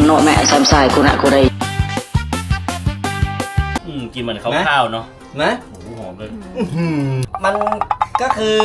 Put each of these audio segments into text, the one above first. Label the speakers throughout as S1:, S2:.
S1: โนแม่แซมไซกุณะกุไร
S2: กินเหมือนข้าวๆเนาะ
S3: นะ
S2: โอ้โหหอมเลย
S3: มันก็คือ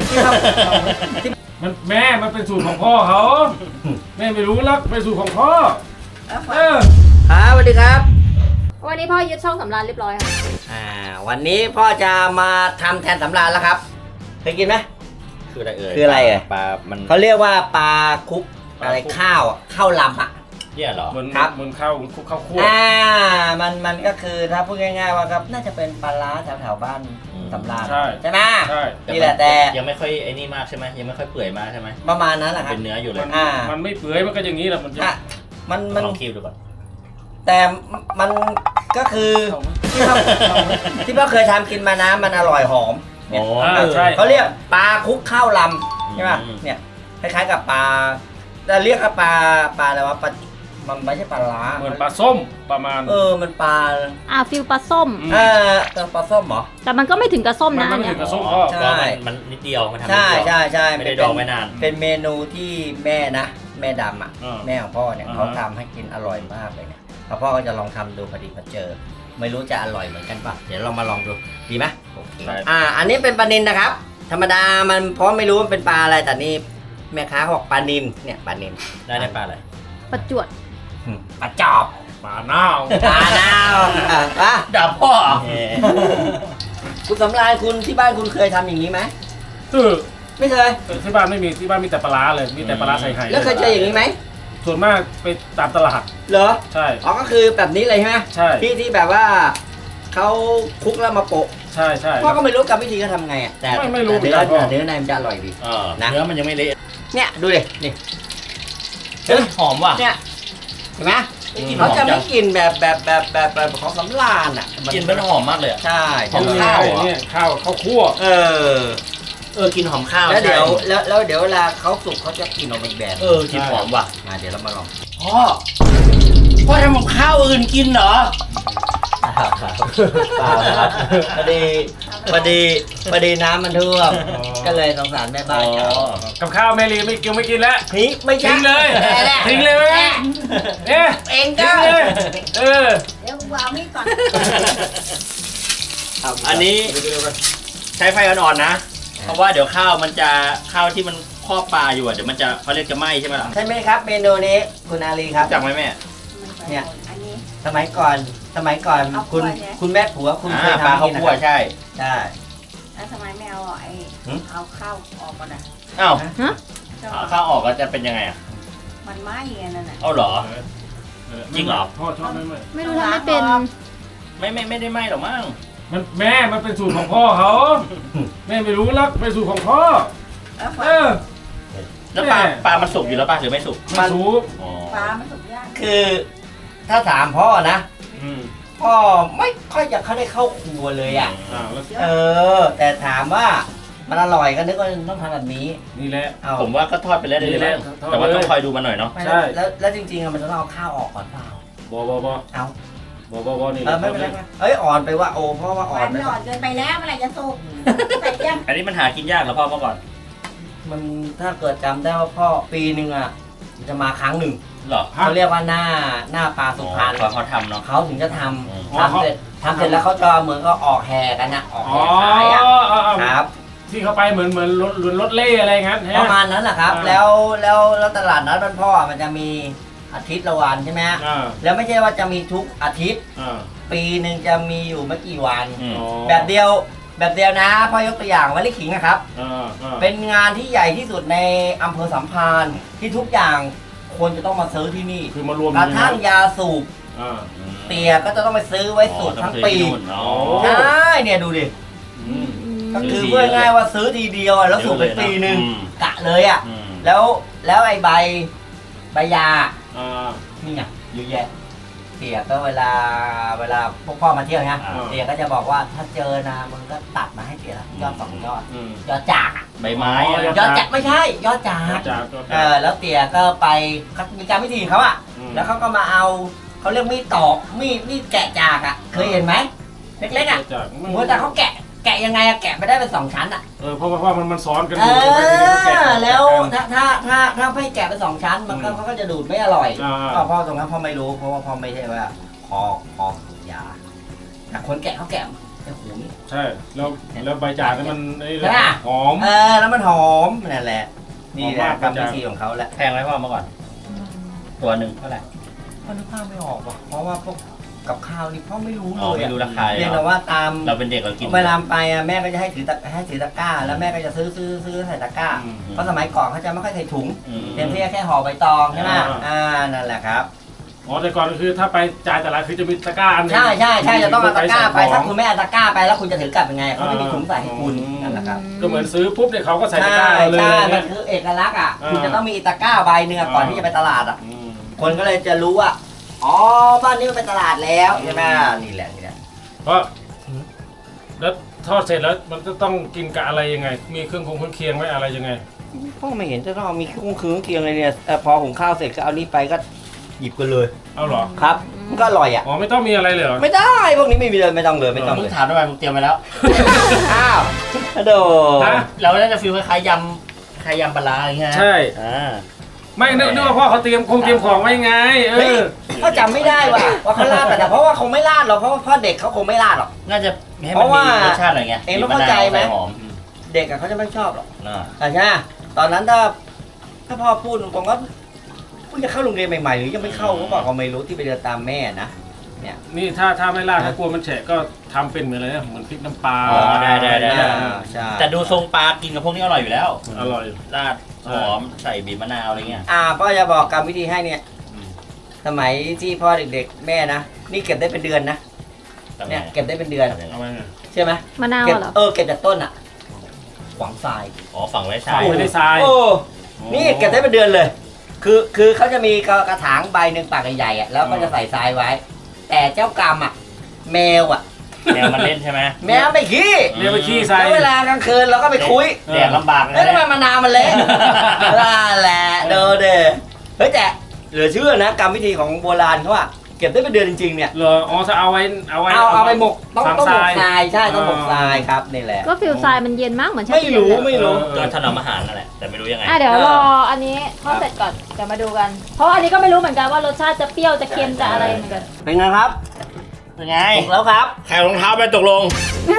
S4: มันแม่มันเป็นสูตรของพ่อเขาแม่ไม่รู้ลักเป็นสูตรของพ่อ
S3: ครับสวัสดีครับ
S5: วันนี้พ่อยึดช่องสำราญเรียบร้อยค่ะ
S3: วันนี้พ่อจะมาทำแทนสำราญแล้วครับเคยกินไหม
S2: คืออะไรเอ่ย
S3: คืออะไรอ่ะ
S2: ปลามัน
S3: เขาเรียกว่าปลาคุกอะไรข้าวลำอ่ะ
S2: เนี่ยเหรอ
S4: ครับมันข้าวคุกข้าวคั่ว
S3: มันก็คือถ้าพูดง่ายๆว่าครับน่าจะเป็นปลาล้าแถวบ้านสำราญใช่ไหม
S4: ใช่
S3: นี่แหละแต่
S2: ยังไม่ค่อยไอ้นี่มากใช่ไหมยังไม่ค่อยเปื่อยมากใช่ไหม
S3: ประมาณนั้นแหละครับ
S2: เป็นเนื้ออยู่เลย
S4: มันไม่เปื่อยมันก็อย่างนี้แหละมัน
S2: ลองคิวดูก่อน
S3: แต่มันก็คือที่พ่อเคยทำกินมานะมันอร่อยหอม
S4: ใช่
S3: เขาเรียกปลาคุกข้าวลำใช่ป่ะเนี่ยคล้ายๆกับปลาแต่เรียกปลาอะไรวะมันไม่ใช่ปลาล้า
S4: เหมือนปลาส้มประมาณ
S3: มันปลา
S5: ฟิลปลาส้ม
S3: ปลาส้มเหรอ
S5: แต่มันก็ไม่ถึงกระส้มนะ
S4: มันไม่ถึงกระส้ม
S2: ใช่มันนิดเดียวมันทำ
S3: ใช่
S2: ไม่ได้ดองไม่นาน
S3: เป็นเมนูที่แม่นะแม่ดำอ่ะแม่ของพ่อเนี่ยเขาทำให้กินอร่อยมากเลยเนี่ยพ่อก็จะลองทำดูพอดีพอเจอไม่รู้จะอร่อยเหมือนกันป่ะเดี๋ยวเรามาลองดูดีไหมอันนี้เป็นปลานิลนะครับธรรมดามันเพราะไม่รู้มันเป็นปลาอะไรแต่นี่แม่ค้าบอกปลานิลเนี่ยปลานิล
S2: ได้ปลาอะไร
S5: ปลาจวด
S3: ปลาจอบ
S4: ปลาเน่า
S3: ด่าพ่อคุณสำราญคุณที่บ้านคุณเคยทำอย่างนี้ไหมไม่เคย
S4: ที่บ้านไม่มีที่บ้านมีแต่ปลาร้าเลยมีแต่ปลาร้าใส่ไข่
S3: แล้วเคยเจออย่างนี้ไหม
S4: ส่วนมากไปตามตลาด
S3: เหรอ
S4: ใช่
S3: ก็คือแบบนี้เลยใช่ไหม
S4: ใช่
S3: ที่แบบว่าเขาคุกแล้วมาโปะ
S4: ใช่
S3: พ่อก็ไม่รู้กรรมวิธีเขาทำไงอ่ะแต่
S4: ไม่รู้
S3: เนื้อในมันจะอร่อยดี
S2: เนื้อมันยังไม่เละ
S3: เนี่ยดูดินี่
S2: หอมว่ะ
S3: เนี่ยเห็นไหมเขาจะไม่กินแบบของสำราญอ่ะ
S2: กินเป็นหอมมากเลย
S3: ใช่
S4: หอมข้าวเนี่ยข้าวคั่ว
S2: กินหอมข้าว
S3: แล้วเดี๋ยวเวลาเขาสุกเขาจะกินออกมาอีกแบบ
S2: กินหอมว่ะ
S3: เดี๋ยวเรามาลอง
S2: พ่อทำกับข้าวอื่นกินเหรอ
S3: พอดีน้ำมันท่วมก็เลยสงสารแม่บ้าน
S4: กับข้าวแม่ลีไม่กินแล้ว
S3: ไม่
S4: ทิ้งเลยทิ้งเลยไหม
S3: เองก็
S5: เดี๋ยววางมีดก่อน
S2: อันนี้ใช้ไฟอ่อนๆนะเพราะว่าเดี๋ยวข้าวที่มันครอบปลาอยู่เดี๋ยวมันจะเขาเรียกจะไหม้ใช่ไหมล่ะ
S3: ใช่ไหมครับเมนูนี้คุณอาลีครับ
S2: จังไหมแม่
S3: เนี่ยสมัยก่อนคุณแม่ผัวคุณเคยทำ
S2: ปลาข้าวคั่วใช่
S5: แล้วทำไมไม่เอาเอาข้าวออกก่อนอ่ะ
S2: ข้าวออกก็จะเป็นยังไงอ่ะ
S5: มันไหม้ไงนั่นน่ะ
S2: เอาเหรอจริงเหรอ
S4: พ่อชอบ
S5: ไม่รู้ทำไม่เป็น
S2: ไม่ได้ไหม้หรอกมั้ง
S4: มันเป็นสูตรของพ่อเขาแม่ไม่รู้ลักเป็นสูตรของพ่อ
S2: แล้วปลามันสุกอยู่แล้วป่ะหรือไม่สุก
S4: มันสุก
S5: ปลามันสุกยาก
S3: คือถ้าถามพ่อนะพ่อไม่ค่อยจะเข้าได้เข้าครัวเลยอ่ะแต่ถามว่ามันอร่อยก็นึกว่าต้องทำแบบนี้
S4: นี่แหละ
S2: ผมว่าก็ทอดไปแล้วเลยแต่ว่าต้องคอยดูมันหน่อยเนาะ
S3: ใช่แล้วจริงๆมันจะต้องเอาข้าวออกก่อนเปล่า
S4: บเอาบนี่
S3: ไม่เป็นไรอ่อนไปว่าโอ้เพราะว่าอ่อน
S5: ไม่อ่อนเกินไปแล้วเมื่อไหร่จะสุก
S2: อันนี้มันหากินยากเหรอพ่อเมื่อก่อน
S3: มันถ้าเกิดจำได้ว่าพ่อปีนึงอ่ะจะมาครั้งหนึ่ง
S2: หรอ
S3: เขาเรียกว่าหน้าปลาสุพรรณ
S2: เขาทำเนาะ
S3: เขาถึงจะทำเสร็จแล้วเขาจะเหมือนก็ออกแห่กันนะออกแห่ขายครับ
S4: ที่เขาไปเหมือนรถเล่อะไรงั้น
S3: ประมาณนั้นแหละครับแล้วตลาดนัดบ้านพ่อมันจะมีอาทิตย์ละวันใช่ไหมแล้วไม่ใช่ว่าจะมีทุกอาทิตย์ปีหนึ่งจะมีอยู่ไม่กี่วันแบบเดียวนะพ่อยกตัวอย่างวันลิขิงนะครับเป็นงานที่ใหญ่ที่สุดในอำเภอสัมพันธ์ที่ทุกอย่างคนจะต้องมาซื้อที่นี่
S4: คือมารวม
S3: กระทั่งยาสูบเตียก็จะต้องไปซื้อไว้สูบทั้งปีใช่เนี่ยดูดิก็คือเพื่อง่ายว่าซื้อทีเดียวแล้วสูบไปปีหนึ่งกะเลยอ่ะแล้วไอ้ใบยานี่ไงเยอะแยะเตียก็เวลาพวกพ่อมาเที่ยวนะเตียก็จะบอกว่าถ้าเจอนะมึงก็ตัดมาให้เตียยอด2 ยอดจาก
S2: ใบไม้
S3: ยอดจากไม่ใช่ยอดจากแล้วเตียก็ไปมีการวิธีเขาอ่ะแล้วเขาก็มาเอาเขาเรียกมีดตอกมีดแกะจากอ่ะเคยเห็นไหมเล็กๆอ่ะหัวแต่เขาแกะแกะยังไงอะแกะไปได้เป็น2 ชั้นอะ
S4: เพราะว่ามันซ้อนกัน
S3: เอ
S4: อยู่ใช่ไหมทีนี้ก็แกะ
S3: อแล้วถ้าไม่แกะเป็น2 ชั้นมันก็เขาก็จะดูดไม่อร่อย
S4: อ่า
S3: พ่อตรงนั้นพ่อไม่รู้เพราะว่าพ่อไม่ใช่ว่าพออยาแต่คนแกะเขาแกะแต่หูนี่
S4: ใช่แล้วใบจากนี่มันไอ้
S3: ใช่ปะ
S4: หอม
S3: แล้วมันหอมนั่นแหละนี่แหละ
S4: หอมมาก
S3: กรรมวิธีของเขาแหละ
S2: แพงไหมพ่อมาก่อน ตัวหนึ่งเท่าไหร่
S3: พ่อนึกภาพไม่ออกว่ะเพราะว่าพวกกับข้าวนี่พ่อไม่รู้เล
S2: อ๋อย ไม่
S3: อะ
S2: รู้ราคาเลย
S3: เรียน
S2: เหร
S3: แต่
S2: อ
S3: ว่าตาม
S2: เราเป็นเด็กเรากิน
S3: เวลาไปอะแม่ก็จะให้ถือตะกร้า แล้วแม่ก็จะซื้อใส่ตะกร้า เพราะสมัยก่อนเขาจะไม่ค่อยใส่ถุง
S2: อืม
S3: เต็มที่แค่ห่อใบตองใช่ไหม
S4: อ่า
S3: นั่นแหละครับ
S4: อ๋อแต่ก่อนก็คือถ้าไปจ่ายแต่ละคือจะมีตะกร้าอันหนึง
S3: ใช่จะต้องเอาตะกร้าไป
S4: ใส่ของ
S3: ถ้าคุณไม่เอาตะกร้าไปแล้วคุณจะถือกลับยังไงเขาไม่มีถุงใส่ให้คุณ
S4: อืม
S3: นั่นแหละครับ
S4: ก็เหมือนซื้อปุ๊บเนี่ยเขาก็ใส่ตะก
S3: ใช่
S4: ร้าเลย
S3: ใช่
S4: อะไร
S3: มั
S4: เงี้
S3: น
S4: ย
S3: คือเอกลักษณ์อ่ะ
S4: อ่า
S3: คุณจะต้องมีตะกร้าใบเนื้อก่อน
S4: อ่า
S3: ที่จะไปตลาดอ่ะ
S4: อืม
S3: คนก็เลยจะรู้ว่าอ๋อบ้านนี้มันเป็นตลาดแล้วใช่ไหมนี่แหละ
S4: เพราะแล้วทอดเสร็จแล้วมันจะต้องกินกับอะไรยังไง มีเครื่องเคียงไหมอะไรยังไง
S3: พ่อไม่เห็นจะต้องมีเครื่องเคียงเลยเนี่ยพอหุงข้าวเสร็จก็เอานี่ไปก็หยิบกันเลย
S4: เอาเหรอ
S3: ครับมันก็อร่อยอ่ะ
S4: อ๋อไม่ต้องมีอะไรเลยเหรอ
S3: ไม่ได้พวกนี้ไม่มีเลยไม่ต้องเลยไม่ต้อง
S2: มึ
S3: เล
S2: ง
S3: ย
S2: ถามทำไมมึงเตรียมไปแล้ว
S3: อ้าวโด
S4: ฮะ
S2: เราน่าจะฟีลคล้ายๆยำปลาร้าอะไรเงี้ย
S4: ใช่
S2: อ่า
S4: ไม่นึกว่าพ่อเขาเตรียมของไว้ไง
S3: เฮ้ยเขาจำไม่ได้ว่ะว่าเขาลาดแต่เพราะว่าคงไม่ลาดหรอกเพราะว่าพ่อเด็กเขาคงไม่ลาดหรอก
S2: น่าจะให้
S3: เพ
S2: มัน
S3: ราะว่า
S2: มีรสชาติหน่อยไง
S3: เองต้องเข้าใจไหม
S2: บีบะนวใส่หอม
S3: เด็กอะเขาจะไม่ชอบหรอก
S2: อ่า
S3: ใช่ไหมตอนนั้นถ้าพ่อพูดตรงๆก็เพิ่งจะเข้าโรงเรียนใหม่ๆหรือยังไม่เข้าก็บอกเขาไม่รู้ที่ไปเดินตามแม่นะ
S4: นี่ถ้าไม่ลาดถ้ากลัวมันแฉะก็ทำเป็นเหมือนอะไรนะเหมือนพริกน้ำปลา
S2: อ๋อได้
S3: ใช่
S2: แต่ดูทรงปลากินกับพวกนี้อร่อยอยู่แล้ว
S4: อร่อย
S2: ราดหอมใส่บีบมะนาวอะไรเงี้ย
S3: พ่อจะบอกกรรมวิธีให้เนี่ย
S2: อืม
S3: สมัยที่พ่อเด็กๆแม่นะนี่เก็บได้เป็นเดือนนะ
S2: ทำไง
S3: เนี่ยเก็บได้เป็นเดือน
S2: ทำยังไง
S4: เอาไว้ไง
S3: ใช่ไหม
S1: มะนาว
S3: เก็บ
S1: เหรอ
S3: เก็บจากต้นอะขวางทราย
S2: อ๋อฝังไว้
S4: ใส่
S2: ใช่
S4: ไม่ได้ทราย
S3: โอ้นี่เก็บได้เป็นเดือนเลย คือเขาจะมีกระถางใบหนึ่งปากใหญ่ๆอะแล้วก็จะใส่ทรายไว้ แต่เจ้ากรรมอะแมวอะ
S2: แนวมันเล่นใช่ไหม
S3: แมวไม่ขี้
S4: เรียกไปขี้ใส่
S3: แล้วเวลากลางคืนเราก็ไปคุย
S2: แดดลำบากเลย
S3: เฮ้ยทำไม
S2: นะ
S3: มะนาวมันเละนั่นแหละเด้อเด้อเฮ้ยแต่เหลือเชื่อนะกรรมวิธีของโบราณเขาอะเก็บได้เป็นเดือนจริงๆเนี่ย
S4: เหรออ๋อถ้าเอาไว้
S3: เอาไปหมกต้อง
S4: ฝัง
S3: หม
S4: ทราก ย
S3: ทรายใช่ต้องหมกทรายครับนี่แหละ
S1: ก็ฟิลทรายมันเย็นมากเหมือนชา
S3: ไม่
S1: เขียว
S3: รู้
S1: เลย
S3: ไม่รู้
S2: ก็ถนอมอาหารนั่นแหละแต่ไม่รู้ยังไง
S1: เดี๋ยวรออันนี้ทอดเสร็จก่อนเดี๋ยวมาดูกัน เพราะอันนี้ก็ไม่รู้เหมือนกันว่ารสชาติจะเปรี้ยวจะเค็มจะอะไรเหมือนกัน
S3: เป็นไงครับ
S2: เป็นไง
S3: ตกแล้วครับ
S2: ใครรองเท้าไปตกลง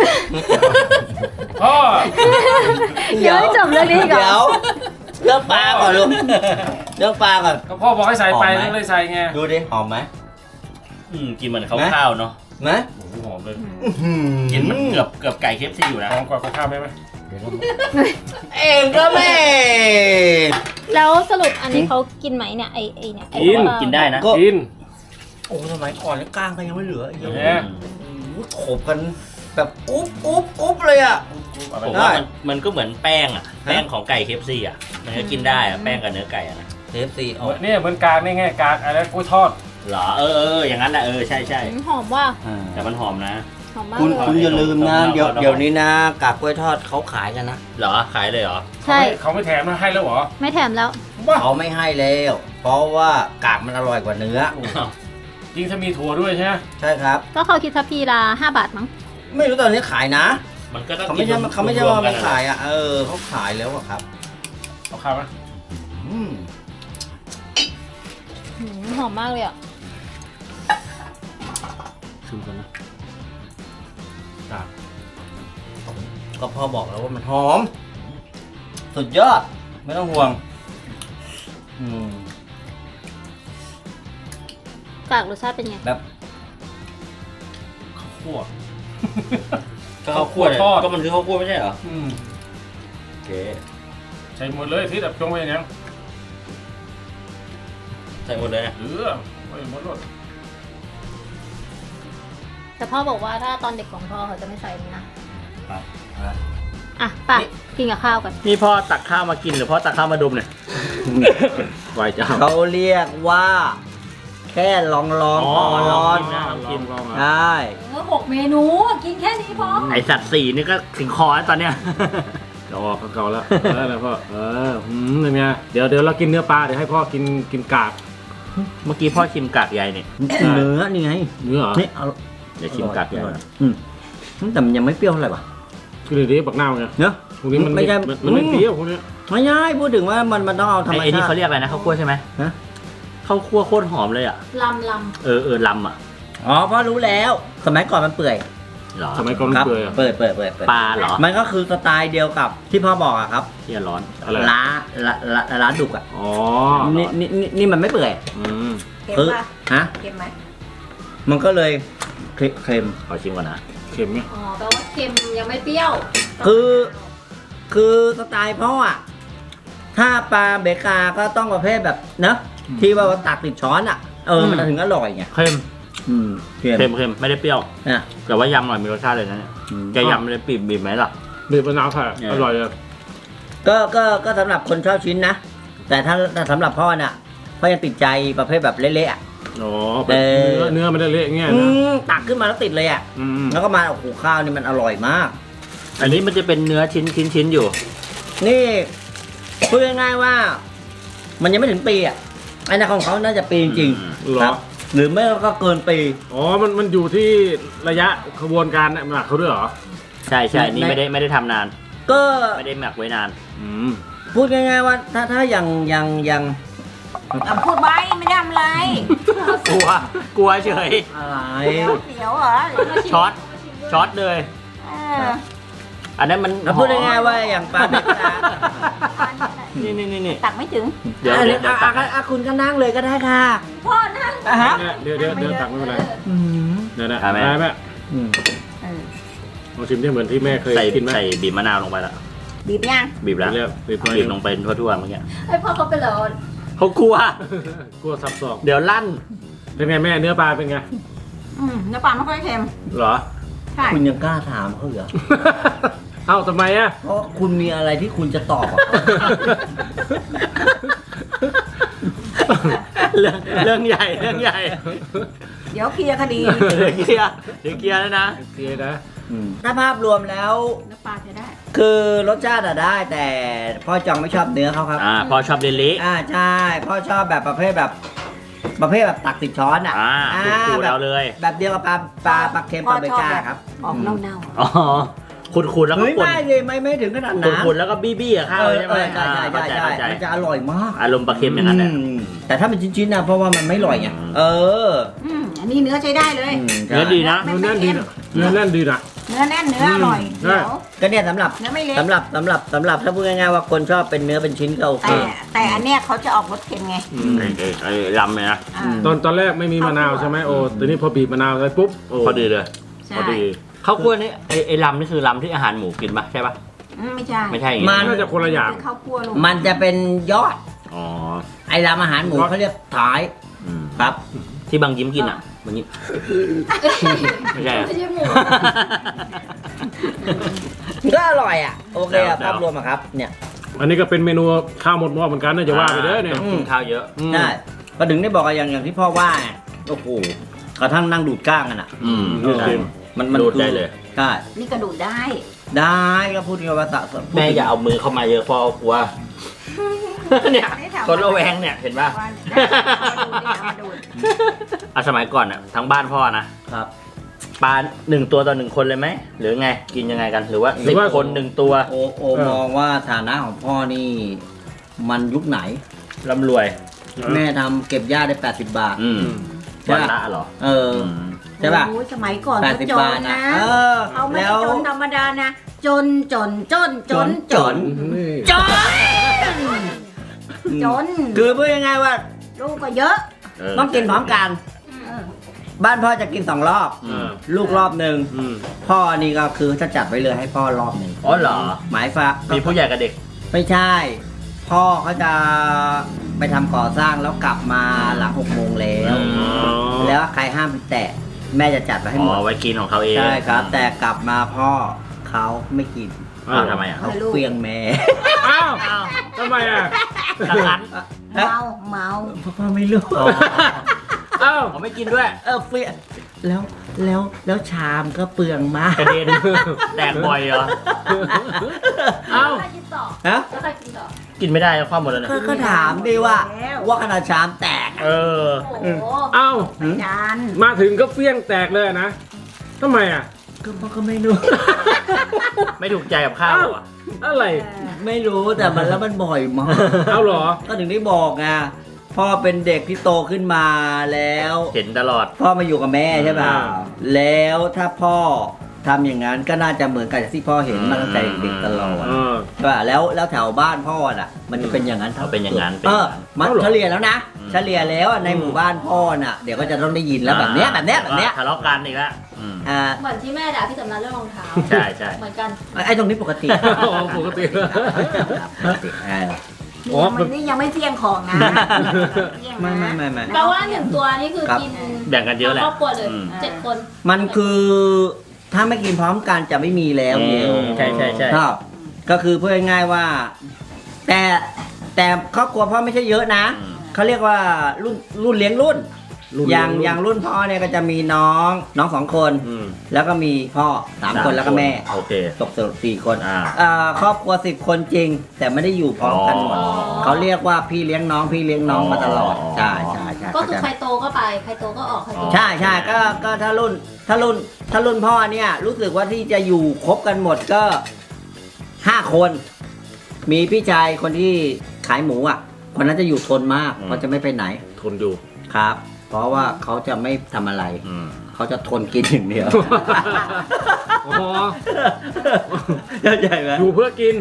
S4: พ่อ
S1: เดี๋ยวให้จบเรื่องนี้ก่อน
S3: เดี๋ยวเลือกปลาก่อนลูกเลือกปลาก่อน
S4: ก็พ่อบอกให้ใส่ไป
S3: หอมไหม
S4: ก็เลยใส่ไง
S3: ดูดิหอมไหม
S2: กินเหมือนข้าวๆเนาะ
S3: ไหม
S4: โอ้โหหอมเลย
S2: กินเหมือนเกือบไก่เคฟซีอยู่นะ
S4: หอมกว่าข้าวไหม
S3: เองก็ไม่
S1: แล้วสรุปอันนี้เขากินไหมเนี่ยไอ้เนี่ยไอ้
S4: กิน
S1: ว่า
S2: กินได้นะ
S4: กิน
S3: โอ้สมัยก่อนเนี่ยก้างก็ยังไม่เหลืออีก
S4: เอ
S3: เยอะ
S4: อ
S3: โขบกันแบบอุ๊บเลยอ่ะ
S2: ผมว่ามันก็เหมือนแป้งอ่ะแป้งของไก่เคฟซีอ่ะมันก็กินได้อ่ะแป้งกับเนื้อไก่อ่ะนะ
S3: KFC เอา
S4: เนี่ยเหมือนกากนี่ไงกากอะไรกล้วยทอด
S2: เหรออย่างนั้นแหละใช่
S1: หอมว่า
S2: แต่มันหอมนะ
S1: หอมมาก
S3: คุณ
S1: เลย
S3: คุณอย่าลืมนะ
S2: ต้อง
S3: เดี๋ยว
S2: ต้อง
S3: เดี๋ยวนี้นะกากกล้วยทอดเขาขายกันนะ
S2: เหรอขายเลยเหรอ
S1: ใช่
S4: เขาไม่แถมมาให้แล้วเหรอ
S1: ไม่แถมแล้ว
S4: บ้า
S3: เขาไม่ให้แล้ว เพราะว่ากากมันอร่อยกว่าเนื้อ
S4: จริงถ้ามีถั่วด้วยใช่ไหม
S3: ใช่ครับ
S1: ก็เขาคิดทัพพีละ5 บาทมั้ง
S3: ไม่รู้ตอนนี้ขายนะ
S2: มันก็ต้อง
S3: เขาไม่ใช่เขาไม่ใช่ว่าไม่ขายอ่ะเขาขายแล้วอะครับ
S4: เอาข้าวไหม
S3: อืม
S1: หอมมากเลยอ่ะ
S4: ชิมกันนะกาก
S3: ก็พ่อบอกแล้วว่ามันหอม สุดยอด ไม่ต้องห่วง อืม
S1: กากรสชาติเป็นไง
S3: แบบ
S4: คั่ว
S2: ก็ข้าวคั่ว
S4: ทอด
S2: ก็มันคือข้าวคั่วไม่ใช่เหรอ
S4: อืม
S2: โอเค
S4: ใส่หมดเลยที่แบบจงไว้อย่างนี้
S2: ใส่หมดเลยนะ
S4: ไว้หมดรส
S1: แต่พ่อบอกว่าถ้าตอนเด็กของพ่อเขาจะไม่ใส่นี่นะ
S3: อ่ะ
S1: อ่ะไปกินกับข้าวกัน
S2: นี่พ่อตักข้าวมากินหรือพ่อตักข้าวมาดมเนี่ย ไหวจ้า
S3: เขาเรียกว่า แค่ลองพอร้อน
S2: กิน
S4: ลอง
S3: ได้
S1: 6 เมนูกินแค่นี้พอ
S2: ไอสัตว์4นี่ก็ถึงคอแล้วตอนเนี้ย
S4: เราออกเก่าแล้วได้แล้วพ่อเป็นไงเดี๋ยวเรากินเนื้อปลาเดี๋ยวให้พ่อกินกาก
S2: เมื่อกี้พ่อชิมกากใยเนี่ย
S3: เนื้อนี่ไง
S4: เนื้อเหรอ
S3: นี่เอา
S2: เดี๋ยวชิมกากใย
S3: แต่มันยังไม่เปรี้ยวเท่าไหร่วะ
S4: คือเดี๋ยวนี้ปักหน้าไง
S3: เนอะ
S4: พวกนี้มัน
S3: ไม่ใช่
S4: มันไม่เปรี้ยวพวกนี้
S3: ไม่ใช่พูดถึงว่ามันต้องเอาธรรม
S2: ไอ้นี่
S3: ชา
S2: เขา
S3: ติ
S2: เรียกอะไรนะข้าวคั่วใช่ไหม
S3: ฮะ
S2: ข้าวคั่วโคตรหอมเลยอ่ะ
S1: ลำ
S2: เออลำอ่ะ
S3: อ๋อเพราะรู้แล้ว สมัยก่อนมันเปื่อย
S2: เหรอ
S4: สมัยก่อนมัน
S3: ครับ
S4: เปื่อยอะ
S3: เปิด
S2: ปลาเหรอ
S3: มันก็คือสไตล์เดียวกับที่พ่อบอกอะครับ
S2: ที่ร้อน
S4: อะไร
S3: ล้าดุกอะ
S4: อ๋อ
S3: นี่มันไม่เปื่อย
S2: อืม
S5: เค็ม
S3: คือ
S5: ป่ะ
S3: ฮะ
S5: เค็มไหม
S3: มันก็เลยเค็ม
S2: ขอชิมก่อนนะ
S4: เค็มไหม
S1: อ๋อแปลว่าเค็มยังไม่เปรี้ยว
S3: คือสไตล์พ่ออะถ้าปลาเบกาก็ต้องประเภทแบบเนอะที่ว่าตักติดช้อนอะมันถึงอร่อยไง
S2: เค็ม
S3: เค็ม
S2: เค็มไม่ได้เปรี้ยว
S3: อ่ะ
S2: แต่ว่ายำหน่อยมีรสชาติเลยนะเนี่ยแกยำเลยบีบไหมล่ะ
S4: บีบมะนาวค่ะ
S2: เนี่ย
S4: อร่อยเลย
S3: ก็สำหรับคนชอบชิ้นนะ แต่ถ้าสำหรับพ่อน่ะพ่อยังติดใจประเภทแบบเละๆอะ
S4: อ๋อเป็นเนื้อมันได้เละเงี้ยนะ
S3: ตักขึ้นมาแล้วติดเลยอ่ะ
S4: อืม
S3: แล้วก็มาโอ้โหข้าวนี่มันอร่อยมาก
S2: อันนี้มันจะเป็นเนื้อชิ้นอยู่
S3: นี่พูดง่ายๆว่า มันยังไม่ถึงปีอ่ะไอ้นั่นของเขาน่าจะปีจริง
S4: เหร
S3: ค
S4: อ
S3: รับ หรือไม่ก็เกินปี
S4: อ๋อมันอยู่ที่ระยะขบวนการเนี่ยหมักเขาด้วยเหรอ
S2: ใช่นี่ไม่ได้ทำนาน
S3: ก็
S2: ไม่ได้หมักไว้นาน
S4: อืม
S3: พูดง่ายๆว่าถ้าอย่าง
S5: อ่ะพูดไว้ไม่ได้ทำอะไร
S2: กลัวเฉย
S3: อะไร
S5: เดี๋ยวเหรอ
S2: ช็อตเลย
S5: เออ
S2: อันนั้นมัน
S3: แล้วพูดง่ายๆว่าอย่างปลาเบกา
S2: นี่
S5: ตักไม่ถึง
S2: เดี๋ยว
S3: คุณก็นั่งเลยก็ได้ค่ะ
S5: พ่อนั่ง
S3: อ่ะฮะ
S4: เดี๋ยวตักไม่เป็นไร
S3: อืม
S4: เดี๋ยวนะ
S2: อ่ะแม่
S4: ได้แม่
S3: อืม
S5: เออ
S4: ลองชิมที่เหมือนที่แม่เคย
S2: ใส่
S4: กินไหม
S2: ใส่บีบมะนาวลงไปแล้ว
S5: บีบยัง
S2: บีบแล้ว
S4: เรียกบีบไป
S2: บีบลงไปทั่วๆเมื่อกี้
S1: ไอพ่อเขาเป็นเหรอ
S2: เขากลัว
S4: กลัวซับซ้อน
S2: เดี๋ยวลั่น
S4: เป็นไงแม่เนื้อปลาเป็นไง
S5: เนื้อปลาไม่ค่อยเค็ม
S4: เหรอ
S5: ใช่
S3: คุณยังกล้าถามเขาเหรอ
S4: เอ้าทำไมอะ
S3: เพราะคุณมีอะไรที่คุณจะตอบอ่ะ
S2: เรื่องใหญ่
S5: เดี๋ยวเคลียร์คดี
S2: เดี๋ยวเคลียร์แล้วนะ
S4: โอเคนะ
S3: ถ้าภาพรวมแล้ว
S5: เนื้อปลาใช้ได้
S3: คือรสชาติอะได้ แต่พ่อจองไม่ชอบเนื้อเขาครับ
S2: พอชอบเละ
S3: ใช่พ่อชอบแบบประเภทแบบตักติดช้อนอ่ะ
S2: ดู
S3: แบ
S2: เรา
S3: บ
S2: เลย
S3: แบบเดียวกับปลาเค็มปลาเบก้าครับ
S5: ออกเน่า
S2: อ๋อขุดแล้วก็
S3: เฮ้ย
S2: ป่น
S3: ไม่เลยไม่ถึงขนาดนั้น
S2: ขุดแล้วก็บี้อะข้าวใช่ไหม
S3: ใช่มันจะอร่อยมาก
S2: อารมณ์ปลาเค็มอย่างนั้นแหละ
S3: แต่ถ้าเป็นชิ้นๆนะเพราะว่ามันไม่อร่อยไง
S5: อันนี้เนื้อใช้ได้เลย
S2: เนื้อดีนะ
S4: เนื้อแน่นดีนะเนื้อแน่นดีนะ
S5: เนื้อแน่นเนื้ออร่อย
S4: ใช่
S5: เดี๋ยว
S3: ก็เนี่ยสำหรับ
S5: เนื้อไม่เละ
S3: สำหรับถ้าพูดง่ายๆว่าคนชอบเป็นเนื้อเป็นชิ้นก็โอเค
S5: แต่อันเนี้ยเขาจะออกรสเค็มไง
S2: ไอ้ลำเลยนะ
S5: อ่า
S4: ตอนแรกไม่มีมะนาวใช่ไหมโอ้แต่นี่พอบีบมะนาวไปปุ๊บโอ้
S2: พอดีเลย
S5: ใช่
S4: พอดี
S2: ข้าวคั่วนี่ไอ้ลำนี่คือลำที่อาหารหมูกินปะใช่ปะ
S5: ไม่ใช่
S2: ไม่ใช่อย่าง
S3: มั
S2: งี้
S4: น่าจะคนละอย่าง
S5: เป็นข้าวคั่วลง
S3: มันจะเป็นยอด
S2: อ๋อ
S3: ไอ้รามอาหารหมูเขาเรียกท้าย
S2: อืม
S3: ครับ
S2: ที่บางยิ้มกินอ่ะบางยิ้มไม่ใช่อะ
S1: ไม่ใช่หมู
S3: ก็อร่อยอ่ะโอเคอ่ะ
S2: แล้ว
S3: ภาพรวมอะครับเนี่ย
S4: อันนี้ก็เป็นเมนูข้าวหมดหม้อเหมือนกันนะจะว่าไปเด้อเนี่ย
S2: ต้องกินข้าวเยอะ
S4: อืม
S3: ใช่ก็ถึงได้บอกอะอย่างที่พ่อว่าไงโอ้โหกระทั่งนั่งดูดก้างกันอ่ะ
S4: ดูดดิ
S3: มัน
S2: ดูดได้เลย
S3: ใช่
S5: นี่กระดูดได้
S3: ได้ก็พูดกันว่าสะสม
S2: แม่อย่าเอามือเข้ามาเยอะเพอกลัว เนี่ยคนระแวงเนี่ยเห็นป่ะ
S5: มาดูด
S2: อ่ะสมัยก่อนอ่ะทั้งบ้านพ่อนะครับ ปลา1 ตัวต่อ 1 คนเลยไหมหรือไงกินยังไงกันหรือว่า10 คน1 ตัว
S3: โอมองว่าฐานะของพ่อนี่ มันยุคไหน
S2: ร่ำรวย
S3: แม่ทำเก็บหญ้าได้80 บาท ใช่
S2: วัน
S3: ปะ
S2: ละเหรอ
S3: ใช่ป่ะ
S5: โอ้ยสมัยก่อนก็
S3: 80
S5: จ
S3: บาน ท
S5: นะ เอาไม่
S3: แล้
S5: ได้
S3: ว
S5: จนธรรมดานะ จน
S3: จน
S5: จน
S3: จน คือพูดง่ายๆว่า
S5: ลูกก็เยอะ
S3: ต้องกินพร้อมกัน
S5: เออ
S3: บ้านพ่อจะกิน2 รอบ ลูกรอบหนึ่ง
S4: อืม
S3: พ่อนี่ก็คือจะจัดไว้เลยให้พ่อรอบหนึ่ง
S2: อ๋อเหรอ
S3: หมายฟ้า
S2: มีผู้ใหญ่กับเด็ก
S3: ไม่ใช่ พ่อเขาจะไปทำก่อสร้างแล้วกลับมาหลัง6 โมงแล้ว แล้วใครห้ามไปแตะแม่จะจัดไว้ให้หมด
S2: ไว้กินของเขาเอง
S3: ใช่ครับ แต่กลับมาพ่อเขาไม่กิน
S2: อ้าวทำไมอ่ะ
S3: เขาเปลียงแม่
S4: อ้าวทำไมอ่ะ
S2: ทางร้าน
S5: เมา
S3: พ่อไม่รู้
S4: อ้าว
S2: เขาไม่กินด้วย
S3: เปลียงแล้วชามก็เปลืองมาก
S2: กระเด็น แตกบ่อยเหรอ
S4: อ้าว
S1: ใครกินต่อ
S3: ฮะ
S1: แล้วใครกินต่อ
S2: กินไม่ได้ความหมดแล้วเนี่ย
S3: ก็ถามดิว่าขนาดชามแตก
S2: เออ
S1: โอ้โห
S4: อ้าว
S5: จาน
S4: มาถึงก็เฟี้ยงแตกเลยนะทำไมอ่ะ
S3: ก็ไม่รู้
S2: ไม่ถูกใจกับข้าวอ่ะ
S4: อะไร
S3: ไม่รู้แต่มันแล้วมันบ่อยมาก
S4: เอาเหรอ
S3: ก็ถึงได้บอกไงพ่อเป็นเด็กที่โตขึ้นมาแล้ว
S2: เห็นตลอด
S3: พ่อมาอยู่กับแม่ใช่ป่ะ
S4: อ่า
S3: แล้วถ้าพ่อทำอย่างนั้นก็น่าจะเหมือนกับที่พ่อเห็นมาตั้งแต่เด็กตลอด
S4: เออ
S3: ใช่ป่ะแล้วแถวบ้านพ่อน่ะ มันจะเป็นอย่างนั้น
S2: เอาเป็นอย่างนั้น
S3: เออมัน
S4: เอาเหรอ
S3: เฉลี่ยแล้วนะ
S2: อืม
S3: เฉลี่ยแล้วอะในหมู่บ้านพ่อน่ะเดี๋ยวก็จะต้องได้ยินแล้วแบบเนี้ย
S2: ทะเลาะกันอีกแล้วอืม
S3: อ่า
S1: เหมือนที่แม่ด่าพี่สำนักเรื่องรองเท้า
S2: ใช่ใช่
S1: เหมือนกัน
S3: ไอ้ตรงนี้ปกติ
S4: อ๋อปกติ
S3: ปกติ
S4: อ๋อ
S5: มันนี่ยังไม่เที่ยงของนะเที่ยง
S3: ไม่
S5: นะ
S3: ไม่
S1: แปลว่าหนึ่งตัวนี่คือ
S3: ครับ
S1: กิน
S2: แบ่งกันเยอะแหละ
S1: ครอบครัวเลย
S2: อืม
S1: 7 คน
S3: มันคือถ้าไม่กินพร้อมกันจะไม่มีแล้วเดียว
S2: ใช่ใช่ใช่
S3: ครับก็คือพูดง่ายๆว่า แต่ครอบครัวพ่อไม่ใช่เยอะนะ
S2: อืม
S3: เขาเรียกว่ารุ่นเลี้ยงรุ่น อย่างรุ่นพ่อเนี่ยก็จะมีน้อง2 คน
S2: อืม
S3: แล้วก็มีพ่อ3 คนแล้วก็แม่
S2: โอเค
S3: ตกสรุป4 คน
S2: อ่า
S3: ครอบครัว10 คนจริง แต่ไม่ได้อยู่พร้อมกันหมด
S2: อ๋อ
S3: เขาเรียกว่าพี่เลี้ยงน้องมาตลอด
S2: อ๋อ
S3: ใช่
S1: ก็คือใครโตก็ไป ใครโตก็ออก ใครโต
S3: ใช่ก็ถ้ารุ่นพ่อเนี่ยรู้สึกว่าที่จะอยู่ครบกันหมดก็5 คน มีพี่ชายคนที่ขายหมูอ่ะคนนั้นจะอยู่ทนมากเขาจะไม่ไปไหน
S4: ทนอยู่
S3: ครับ เพราะว่าเขาจะไม่ทำอะไร
S2: อืม
S3: เขาจะทนกินอย่างเดียว
S4: อ๋อ
S3: เข้าใจไหม
S4: อยู่เพื่อกิน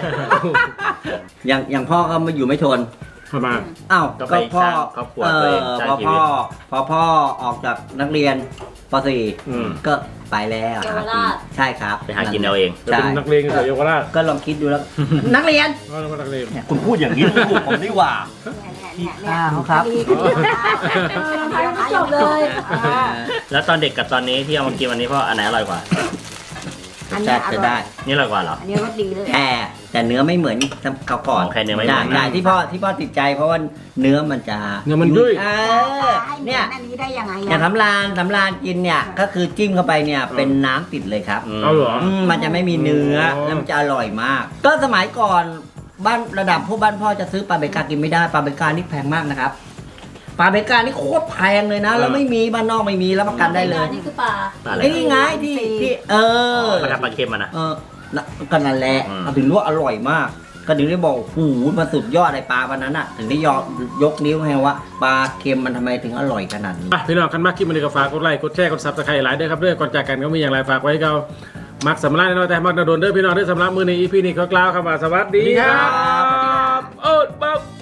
S3: อย่างพ่อก็มาอยู่ไม่ทน
S4: ทำไม
S3: อ้าว
S2: ก็ไปสร้างครอบครัวตัวเองสร้างชีวิต
S3: พอพ่อออกจากนักเรียนป
S4: อืม
S3: .4 ก็ไปแล้ว
S1: เยาวราช
S3: ใช่ครับ
S2: ไปหากินเอาเอง
S4: จะ
S3: ใช่
S4: เป็นนักเลงเฉยๆเยาวราช
S3: ก็ลองคิดดูแล้ว นักเรียน
S4: ก็เป็นนักเลง
S3: คุณพูดอย่างนี้ถูกผมดีกว่า
S5: เนี่ย
S3: ครับ
S5: ดีก็ดี
S1: จบเลย
S2: แล้วตอนเด็กกับตอนนี้ที่เอามากินวันนี้พ่ออันไหนอร่อยกว่า
S5: อัน
S3: จะ
S5: นี้อ
S3: จะ
S5: ร่อ
S3: ได้
S5: ย
S2: นี่อร่อยกว่าเหรอ
S5: อันนี้รสดีเลย
S3: แต่เนื้อไม่เหมือนเขาก่อน
S2: อ๋อแค่เนื้อไม่เหมือน
S3: ได้ที่พ่อติดใจเพราะว่าเนื้อมันจะ
S4: เนื้อมันยุ่ย
S3: เออ
S5: ให้เหมื
S3: เนี่
S5: อย นอันนี้ได้ยังไง
S3: อย่างสำรานกินเนี่ยก็คือจิ้มเข้าไปเนี่ยเป็นน้ำติดเลยครับ
S4: เอาเหรอ
S3: มันจะไม่มีเนื้อ
S4: อ๋อ
S3: แล้วมันจะอร่อยมาก ก็สมัยก่อนบ้านระดับพวกบ้านพ่อจะซื้อปลาเบกากินไม่ได้ปลาเบกานี่แพงมากนะครับปลาเบกานี่โคตรแพงเลยนะ แล้วไม่มีบ้านนอกไม่มีรับประกันได้เลย
S1: นี่คือปลา
S2: ปลาอะไร
S3: ไอ้นี่ไงที่
S2: ปลาทับปลาเค็มอะนะ
S3: ก็นั่นแหละ
S2: อืม
S3: เอาถึงรู้ว่าอร่อยมาก ก็ถึงได้บอกโอ้โหมันสุดยอดไอ้ปลาวันนั้นอ่ะ ถึงได้ยกนิ้วให้ว่าปลาเค็มมันทำไมถึงอร่อยขนาดนี้
S4: อ่ะพี่น้องกันมากคลิปมันนี้ก็ฝากกดไลค์กดแชร์กดซับสไครต์หลายเด้อครับเด้อก่อนจากกันก็มีอย่างไรฝากไว้ให้เรามักสำลักน้อยแต่มักนาโดนเด้อพี่น้องเด้อสำหรับมือในอีพีนี้ก็กล่าวคำว่าสวัสดีครับโอ๊ตบ๊อบ